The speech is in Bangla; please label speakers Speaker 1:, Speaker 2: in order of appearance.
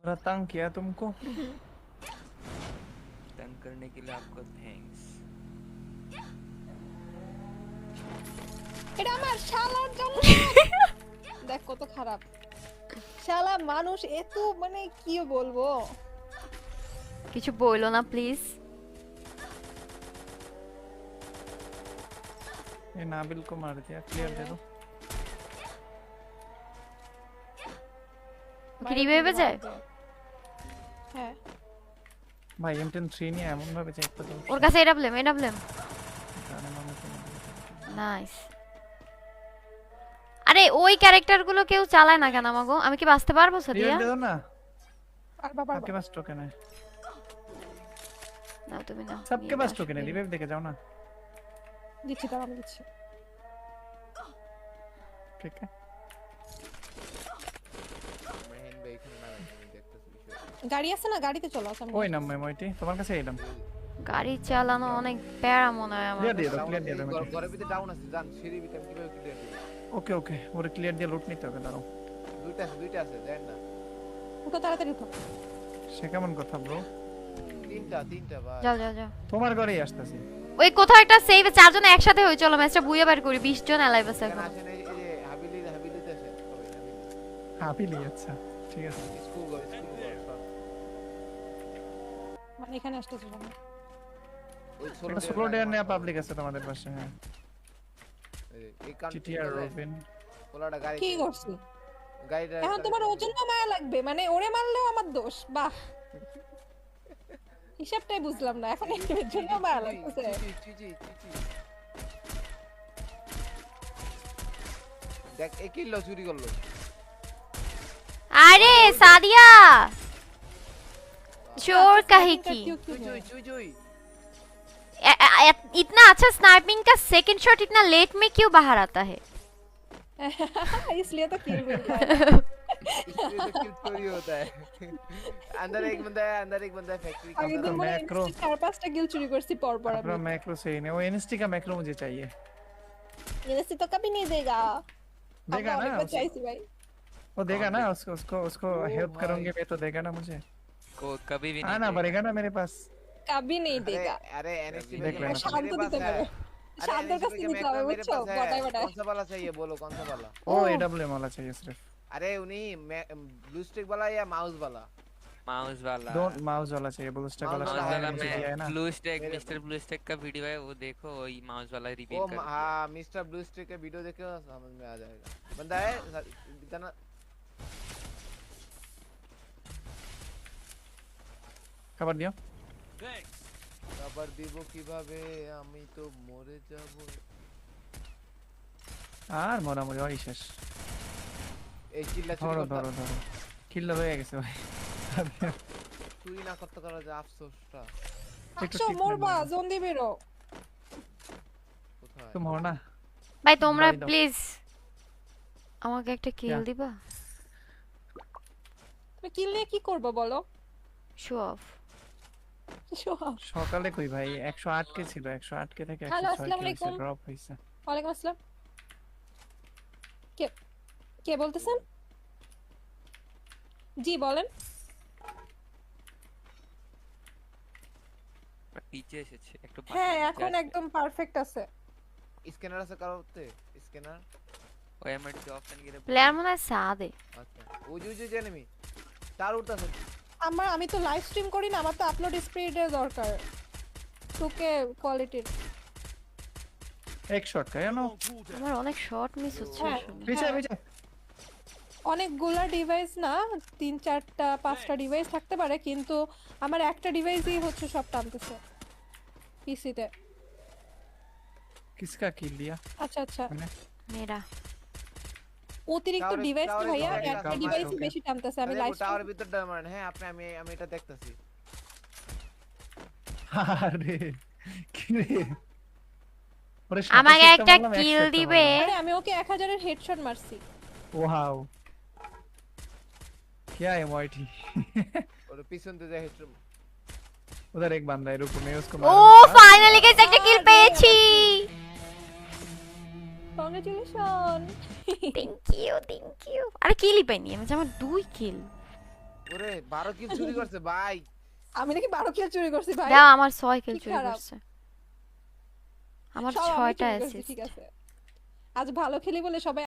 Speaker 1: थोड़ा तंग किया तुमको।
Speaker 2: तंग करने के लिए आपको थैंक्स।
Speaker 3: এটা আমার শালার জন্য। দেখ কত খারাপ শালা মানুষ এত মানে কি বলবো।
Speaker 4: কিছু বইলো না প্লিজ।
Speaker 1: ये नाबिल को मार दिया, क्लियर दे दो।
Speaker 4: কি রিভাইভে যায়?
Speaker 3: হ্যাঁ
Speaker 1: भाई M10 3 নিয়ে এমন ভাবে চেক করতে হবে।
Speaker 4: ওর কাছে এডাব্লিউএম নাইস। আরে ওই ক্যারেক্টারগুলো কেউ চালায় না কেন আমাগো? আমি কি বাঁচতে পারবো সাদিয়া?
Speaker 1: दे दो ना,
Speaker 3: আর বাবা
Speaker 1: आपके पास टोकन है।
Speaker 4: না তুমি না।
Speaker 1: सबके पास टोकन है, रिवाइव देके जाओ ना।
Speaker 3: দিচ্ছি তার আমি দিচ্ছি।
Speaker 1: ठीक है,
Speaker 2: মেহেন ভাই এখানে না, আমি দেখতেছি বিষয়।
Speaker 3: গাড়ি আছে না, গাড়িতে চলো সামনে।
Speaker 1: ওই নাম মইটি তোমার কাছে এলাম।
Speaker 4: গাড়ি চালানো অনেক প্যারা মনে হয় আমার।
Speaker 1: ক্লিয়ার দিয়ে দাও, ক্লিয়ার দিয়ে দাও।
Speaker 2: ঘরের ভিতরে ডাউন আছে, জান সিঁড়ির ভিতরে আমি কিভাবে ক্লিয়ার করব?
Speaker 1: ওকে ওকে, ওরে ক্লিয়ার দিয়ে লুট নিতে হবে। দাঁড়াও,
Speaker 2: দুইটা আছে দেন না।
Speaker 3: উঠো তাড়াতাড়ি উঠো।
Speaker 1: সে কেমন কথা ব্রো?
Speaker 2: তিনটা ভাই।
Speaker 4: যাও যাও যাও।
Speaker 1: তোমার ঘরেই আসতেছি।
Speaker 4: ওই কোথাও একটা সেভে চারজন একসাথে হই, চলো ম্যাচটা বুইয়া বের করি। 20 জন অ্যালাইভ আছে
Speaker 2: কেন
Speaker 4: এখন।
Speaker 2: আসেন এই যে হাবিলিতে আছে সবাই হাবিলি।
Speaker 1: হাবিলি, আচ্ছা ঠিক আছে।
Speaker 2: স্কুল ঘর সব।
Speaker 3: মানে এখানে আসতেছো না।
Speaker 2: ওই
Speaker 1: একটা সোলো ডেয়ার নেয়া পাবলিক আছে তোমাদের পাশে। হ্যাঁ,
Speaker 2: এই কান
Speaker 1: টিটিআর রবিন
Speaker 2: পোলাটা গাড়ি
Speaker 3: কি করছি
Speaker 2: গাড়িটা
Speaker 3: এখন? তোমার ওর জন্য মায়া লাগবে, মানে ওরে মারলেও আমার দোষ? বাহ, হিসাবটাই বুঝলাম না এখন। এর জন্য মায়া লাগতেছে।
Speaker 2: চিচি দেখ একই লো চুরি করলো।
Speaker 4: আরে সাদিয়া चोर काहे की?
Speaker 2: चुई
Speaker 4: इतना अच्छा स्नाइपिंग का सेकंड शॉट इतना लेट में क्यों बाहर आता है?
Speaker 3: इसलिए तो किल मिलता है।
Speaker 2: इसलिए तो किल चोरी होता है। अंदर एक बंदा है फैक्ट्री का।
Speaker 3: आगे दिन
Speaker 1: मैक्रो
Speaker 3: चार पांचटा किल चोरी करती पर
Speaker 1: अपना मैक्रो सही नहीं, वो एनएसटी का मैक्रो मुझे चाहिए।
Speaker 3: एनएसटी तो कभी नहीं देगा।
Speaker 1: देगा ना
Speaker 3: चाहिए भाई,
Speaker 1: वो देगा ना, उसको हेल्प करूंगे मैं तो देगा ना मुझे।
Speaker 2: को कभी भी
Speaker 1: आना पड़ेगा ना मेरे पास।
Speaker 3: कभी नहीं देगा।
Speaker 2: अरे एनएसटी
Speaker 1: देख लेना।
Speaker 3: शांत दिते मेरे शांत का सीन निकला है वो बताए
Speaker 2: कौन सा वाला चाहिए बोलो, कौन सा वाला?
Speaker 1: ओ एडब्ल्यूएम वाला चाहिए सिर्फ।
Speaker 2: अरे उन्हीं ब्लू स्टिक वाला या माउस वाला?
Speaker 5: माउस वाला।
Speaker 1: दो माउस वाला चाहिए, ब्लू स्टिक वाला
Speaker 2: माउस वाला
Speaker 1: मुझे दिया है ना।
Speaker 5: Blue stack, mister blue stack का वीडियो है वो देखो, वही माउस वाला रिवील कर।
Speaker 2: हां मिस्टर ब्लू स्टिक का वीडियो देखो समझ में आ जाएगा। बंदा है इतना
Speaker 1: खबर दियो।
Speaker 2: খবর দিব কিভাবে, আমি তো মরে যাব।
Speaker 1: আর মরামরি ওই শেষ।
Speaker 2: এই চিল্লা
Speaker 1: ধরো ধরো ধরো, কিল হয়ে গেছে ভাই।
Speaker 2: চুরি না করতে করা যে আফসোসটা।
Speaker 3: আচ্ছা মরবা জলদি বেরো।
Speaker 2: কোথায়
Speaker 1: तुम हो ना
Speaker 4: ভাই তোমরা প্লিজ আমাকে একটা কিল দিবা?
Speaker 3: তুমি কিল নিয়ে কি করবে বলো?
Speaker 4: Show off.
Speaker 1: সকালে কই ভাই 108 কে ছিল, 108 কে থেকে 106 কে ড্রপ হইছে।
Speaker 3: ওয়ালাইকুম আসসালাম। কে কে বলতেছেন? জি বলেন।
Speaker 5: পিছে এসেছে একটু।
Speaker 3: হ্যাঁ এখন একদম পারফেক্ট আছে।
Speaker 2: স্ক্যানার আছে কারোতে? স্ক্যানার
Speaker 5: ওই এমআর যে অপশন গিয়ে
Speaker 4: প্লেয়ার মনে হয় সাদে।
Speaker 2: আচ্ছা ওই যে এনিমি তার উঠতাছে।
Speaker 3: আমি তো লাইভ স্ট্রিম করি না, আমার তো আপলোড স্পিডের দরকার, 2K কোয়ালিটির।
Speaker 1: एक शॉट का है ना,
Speaker 4: আমার অনেক শট মিস হচ্ছে আসলে।
Speaker 1: पीछे पीछे
Speaker 3: অনেকগুলা ডিভাইস না, 3 4টা 5টা ডিভাইস থাকতে পারে, কিন্তু আমার একটা ডিভাইসই হচ্ছে সব টানতেছে পিসিতে।
Speaker 1: किसका किल लिया?
Speaker 3: আচ্ছা আচ্ছা
Speaker 4: মেরা
Speaker 3: অতিরিক্ত ডিভাইস তো ভাইয়া, একটা ডিভাইসই
Speaker 1: okay.
Speaker 3: বেশি টানতেছে। আমি লাইভ
Speaker 2: টাওয়ারের ভিতর ডায়মন্ড। হ্যাঁ আপনি আমি এটা দেখতাছি।
Speaker 1: আরে কি রে, ওরে
Speaker 4: আমাকে একটা কিল দিবে?
Speaker 3: আরে আমি ওকে 1000 এর হেডশট মারছি।
Speaker 1: वाओ क्या है मोइटी।
Speaker 2: और পিছন দিয়ে হেডশট।
Speaker 1: उधर एक बंदा है, रुको मैं उसको
Speaker 4: ও ফাইনালি গাইস একটা কিল পেয়েছি।
Speaker 3: কংগ্রাচুলেশন।
Speaker 4: Thank you. আরে কিলই পাইনি আমি, আমার 2 কিল।
Speaker 2: ওরে 12 কিল চুরি করছে ভাই।
Speaker 3: আমি নাকি 12 কিল চুরি করছি ভাই।
Speaker 4: দাও আমার 6 কিল
Speaker 3: কি
Speaker 4: চুরি
Speaker 3: খারাপ।
Speaker 4: করছে। আমার
Speaker 3: সব আমি
Speaker 4: 6টা
Speaker 3: চুরি করছি,
Speaker 4: অ্যাসিস্ট।
Speaker 3: ঠিক আছে। আজ ভালো খেলি বলে সবাই